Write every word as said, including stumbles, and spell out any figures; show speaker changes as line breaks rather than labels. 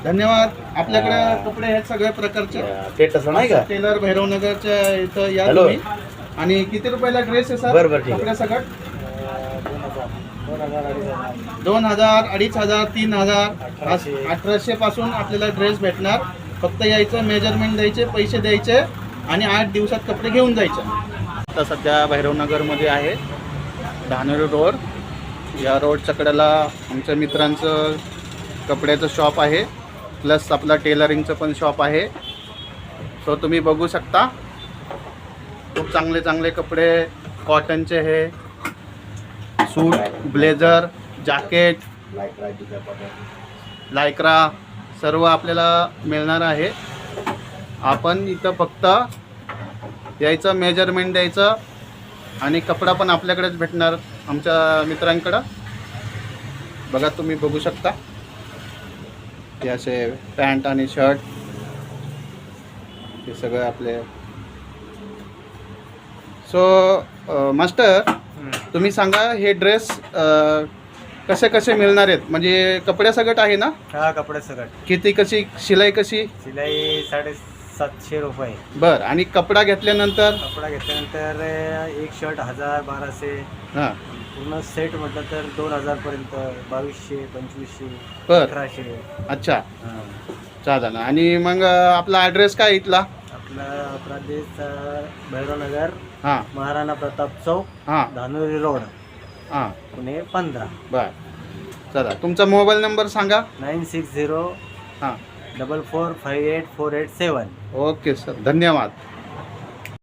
धन्यवाद. आपल्याकडे कपडे आहेत सगळ्या प्रकारचे.
ते तसं नाही का?
टेलर भैरवनगरच्या इथं या
हॅलो.
तुम्ही. आणि किती रुपयाला ड्रेस आहे सर?
बरं, बरं, ठीक आहे.
कपड्या सगळं दोन हजार अडीच हजार तीन हजार अठराशे पासून आपल्याला ड्रेस भेटणार. फक्त यायचं, मेजरमेंट द्यायचे, पैसे द्यायचे आणि आठ दिवसात कपडे घेऊन जायचे. आता सध्या भैरवनगरमध्ये आहे, धानोरी रोड. या रोडच्या कडेला आमच्या मित्रांचं कपड्याचं शॉप आहे, प्लस आपला टेलरिंगचं पण शॉप आहे. सो तुम्ही बघू शकता, खूप चांगले चांगले कपडे कॉटनचे हे सूट, ब्लेझर, जॅकेट, लायक्रा सर्व आपल्याला मिळणार आहे. आपण इथं फक्त यायचं, मेजरमेंट द्यायचं आणि कपडा पण आपल्याकडेच भेटणार आमच्या मित्रांकडं. बघा, तुम्ही बघू शकता हे असे पॅन्ट आणि शर्ट हे सगळं आपले. सो मास्टर, तुम्ही सांगा हे ड्रेस कसे कसे मिळणार आहेत? म्हणजे कपड्या सगट आहे ना?
हा, कपडे सगळं.
किती, कशी शिलाई, कशी
शिलाई साडेसातशे रुपये.
बर. आणि कपडा घेतल्यानंतर?
कपडा घेतल्यानंतर एक शर्ट हजार बाराशे.
हां.
पूर्ण सेट म्हटलं तर दोन हजार पर्यंत, बावीसशे, पंचवीसशे,
बर.
अठराशे.
अच्छा,
हा.
चालेल. आणि मग आपला ॲड्रेस काय इथला?
आपला प्रदेश भैरवनगर,
हां
महाराणा प्रताप चौक,
हां
धानोरी रोड,
हां.
पुणे पंधरा.
बर, चला तुमचा मोबाईल नंबर सांगा.
नाईन सिक्स झिरो
हां.
Double four five eight four eight seven.
Okay sir, धन्यवाद.